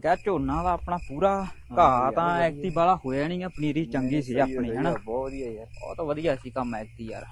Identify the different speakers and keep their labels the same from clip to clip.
Speaker 1: क्या झोना दा अपना पूरा घाह तां ऐकती वाला होया नहीं, पनीरी चंगी सी अपनी है ना,
Speaker 2: बहुत वधिया यार,
Speaker 1: बहुत वधिया सी काम ऐकती यार।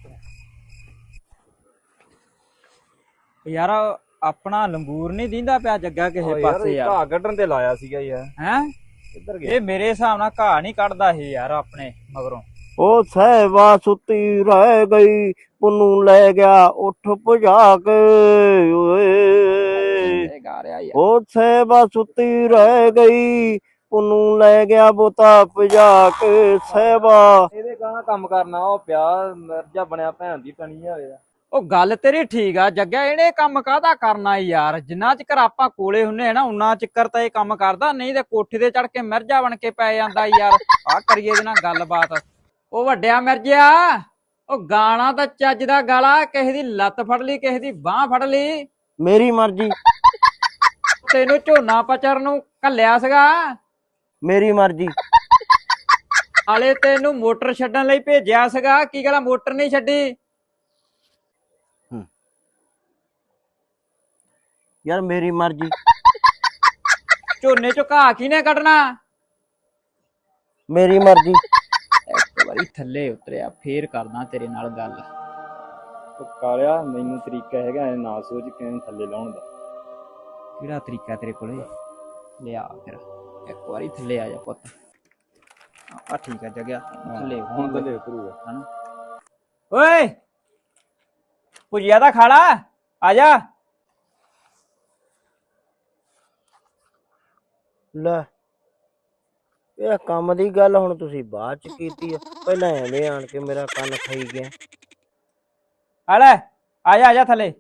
Speaker 1: यार अपना लंगूर नहीं दींदा पिया जग्गा किसे पासे यार,
Speaker 2: घाह कड्ढਣ ਤੇ ਲਾਇਆ ਸੀਗਾ ਯਾਰ।
Speaker 1: हैं
Speaker 2: ਕਿੱਧਰ ਗਿਆ?
Speaker 1: ਇਹ ਮੇਰੇ ਹਿਸਾਬ ਨਾਲ ਘਾਹ ਨਹੀਂ ਕੱਢਦਾ ਇਹ ਯਾਰ ਆਪਣੇ ਮਗਰੋਂ।
Speaker 3: ਉਹ ਸਹਿਬਾ ਸੁੱਤੀ ਰਹਿ ਗਈ, ਪੁੰਨੂ ਲੈ ਗਿਆ ਉੱਠ ਭਜਾ ਕੇ ਓਏ।
Speaker 1: ਇਹ ਗਾ ਰਿਹਾ ਯਾਰ।
Speaker 3: ਉਹ ਸਹਿਬਾ ਸੁੱਤੀ ਰਹਿ ਗਈ, ਪੁੰਨੂ ਲੈ ਗਿਆ ਬੋਤਾ ਭਜਾ ਕੇ ਸਹਿਬਾ।
Speaker 2: ਇਹਦੇ ਗਾਣਾ ਕੰਮ ਕਰਨਾ ਉਹ ਪਿਆ ਮਿਰਜਾ ਬਣਿਆ ਭੈਣ ਦੀ ਤਣੀ ਹੋਇਆ।
Speaker 1: ਉਹ ਗੱਲ ਤੇਰੀ ਠੀਕ ਆ ਜੱਗਿਆ, ਇਹਨੇ ਕੰਮ ਕਾਹਦਾ ਕਰਨਾ ਯਾਰ, ਜਿੰਨਾ ਚਿਰ ਆਪਾਂ ਕੋਲੇ ਹੁੰਨੇ ਆ ਨਾ ਉਨਾ ਚਿਰ ਤਾਂ ਇਹ ਕੰਮ ਕਰਦਾ, ਨਹੀਂ ਤੇ ਕੋਠੇ ਤੇ ਚੜ ਕੇ ਮਿਰਜਾ ਬਣ ਕੇ ਪੈ ਜਾਂਦਾ ਯਾਰ। ਆ ਕਰੀਏ ਇਹਦੇ ਨਾਲ ਗੱਲਬਾਤ। ਉਹ ਵੱਡਿਆ ਮਿਰਜਿਆ, ਉਹ ਗਾਣਾ ਤਾਂ ਚੱਜ ਦਾ ਗਾਲਾ, ਕਿਸੇ ਦੀ ਲੱਤ ਫੜ ਲਈ ਕਿਸੇ ਦੀ ਬਾਹ ਫੜ ਲਈ।
Speaker 3: ਮੇਰੀ ਮਰਜ਼ੀ,
Speaker 1: ਤੈਨੂੰ ਝੋਨਾ ਪਚਰ ਨੂੰ ਘੱਲਿਆ ਸੀਗਾ,
Speaker 3: ਮੇਰੀ ਮਰਜ਼ੀ।
Speaker 1: ਹਾਲੇ ਤੈਨੂੰ ਮੋਟਰ ਛੱਡਣ ਲਈ ਭੇਜਿਆ ਸੀਗਾ, ਕੀ ਗੱਲ ਮੋਟਰ ਨਹੀਂ ਛੱਡੀ?
Speaker 3: ਯਾਰ ਮੇਰੀ ਮਰਜ਼ੀ।
Speaker 1: ਝੋਨੇ ਚੋਂ ਘਾਹ ਕਿਹਨੇ ਕੱਢਣਾ?
Speaker 3: ਮੇਰੀ ਮਰਜ਼ੀ।
Speaker 1: ਇੱਕ ਵਾਰੀ ਥੱਲੇ ਉਤਰਿਆ ਫੇਰ ਕਰਦਾ ਤੇਰੇ ਨਾਲ ਗੱਲ।
Speaker 2: ਕਾਲਿਆ ਮੈਨੂੰ ਤਰੀਕਾ ਹੈਗਾ ਨਾ ਸੋਚ ਕਿਵੇਂ ਥੱਲੇ ਲਾਉਣ ਦਾ।
Speaker 1: ਕਿਹੜਾ ਤਰੀਕਾ ਤੇਰੇ ਕੋਲੇ? ਲਿਆ ਫਿਰ ਇੱਕ ਵਾਰੀ ਥੱਲੇ ਆ ਜਾ ਪੁੱਤ। ਆ ਠੀਕ ਆ ਜਗਿਆ, ਥੱਲੇ
Speaker 2: ਹੁਣ ਥੱਲੇ ਉਤਰੂਗਾ
Speaker 1: ਹਨਾ। ਓਏ ਭੁਜੀਆ ਦਾ ਖਾਲਾ ਆ ਜਾ।
Speaker 3: ਲੈ ਇਹ ਕੰਮ ਦੀ ਗੱਲ ਹੁਣ ਤੁਸੀਂ ਬਾਅਦ ਚ ਕੀਤੀ ਆ, ਪਹਿਲਾਂ ਐਵੇਂ ਆਣ ਕੇ ਮੇਰਾ ਕੰਨ ਖਾਈ ਗਿਆ।
Speaker 1: ਆ ਲੈ ਆ ਜਾ ਥੱਲੇ।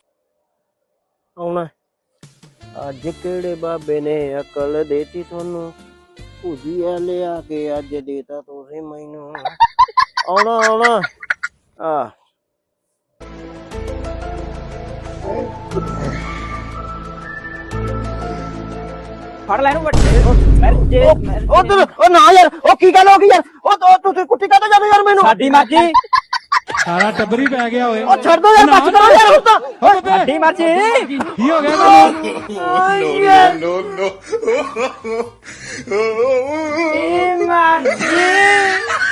Speaker 3: ਆਉਣਾ ਅੱਜ ਕਿਹੜੇ ਬਾਬੇ ਨੇ ਅਕਲ ਦੇਤੀ ਤੁਹਾਨੂੰ, ਭੁਜੀਆ ਲਿਆ ਕੇ ਅੱਜ ਦੇਤਾ ਤੁਸੀਂ ਮੈਨੂੰ। ਆਉਣਾ ਆ
Speaker 1: ਫੜ ਲੈ ਇਹਨੂੰ ਵੱਡੇ।
Speaker 3: ਉਹ ਨਾ ਯਾਰ, ਉਹ ਕੀ ਗੱਲ ਹੋ ਗਈ ਯਾਰ? ਉਹ ਤੁਸੀਂ ਕੁੱਟੀ ਕਾਹਤੋਂ ਜਾਂਦੇ ਯਾਰ ਮੈਨੂੰ?
Speaker 1: ਸਾਡੀ ਮਰਜ਼ੀ,
Speaker 4: ਸਾਰਾ ਟੱਬਰ ਹੀ ਪੈ ਗਿਆ ਓਏ।
Speaker 3: ਉਹ ਛੱਡ ਦੋ ਯਾਰ, ਬਸ ਕਰੋ ਯਾਰ ਹੁਣ ਤਾਂ।
Speaker 1: ਸਾਡੀ ਮਰਜ਼ੀ।
Speaker 4: ਕੀ ਹੋ ਗਿਆ ਤੈਨੂੰ?
Speaker 1: ਇਹ ਮਰਜ਼ੀ।